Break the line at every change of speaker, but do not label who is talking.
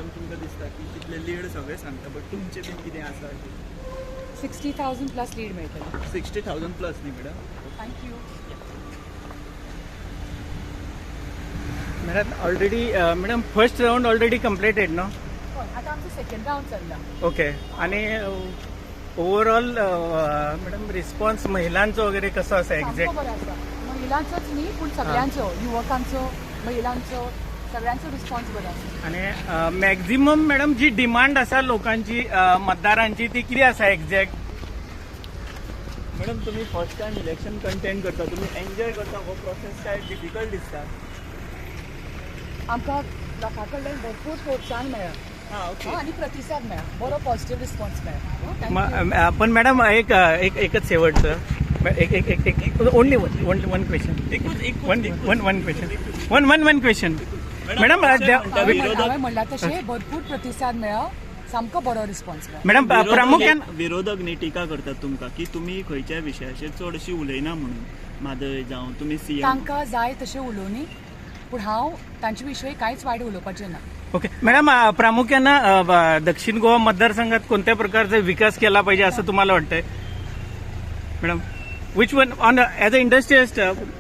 पळोवन तुमकां दिसता की तितले लीड सगळे सांगता बट तुमचें बीन कितें आसा
60,000 प्लस लीड मेळटलें.
60,000 प्लस न्ही madam.
Thank you.
Madam already madam first round already completed no.
हय, आतां आमचो सेकंड रावंड चल्ला.
ओके. आणि ओवरऑल मॅडम रिस्पॉन्स महिलांचो वगैरे कसो आसा
सामको
एक्झॅक्ट?
बरो आसा. महिलांचोच न्ही पूण सगळ्यांचो, युवकांचो, महिलांचो सगळ्यांचो रिस्पॉन्स बरो आसा.
आणि मॅक्झिमम मॅडम जी डिमांड आसा लोकांची मतदारांची ती कितें आसा एक्झॅक्ट?
मॅडम तुम्ही फर्स्ट टायम इलेक्शन कंटेंट करता, तुम्ही एन्जॉय करता हो प्रोसेस काय डिफिकल्ट दिसता?
आमकां लोकां कडल्यान भरपूर प्रोत्साहन मेळ्ळा.
हां ओके.
आणि प्रतिसाद मेळ्ळा, बरो पॉझिटिव्ह रिस्पॉन्स मेळ्ळा. Thank you.
पण मॅडम एकच शेवटचं एक only one question one question madam
हांवें म्हणलां तशें भरपूर प्रतिसाद मेळ्ळा, सामको बरो रिस्पॉन्स मेळ्ळा.
मॅडम प्रामुख्यान
विरोधक न्ही टिका करतात तुमकां की तुम्ही खंयच्या विशयाचेर चडशी उलयना म्हणून, म्हादय जावं तुमी सीएम.
तांकां जाय तशें उलोवनी, पूण हांव तांचे विशयी कांयच वायट उलोवपाचें ना.
ओके मॅडम प्रामुख्यानं दक्षिण गोवा मतदारसंघात कोणत्या प्रकारचा विकास केला पाहिजे असं तुम्हाला वाटतंय madam? Which one on as a industrialist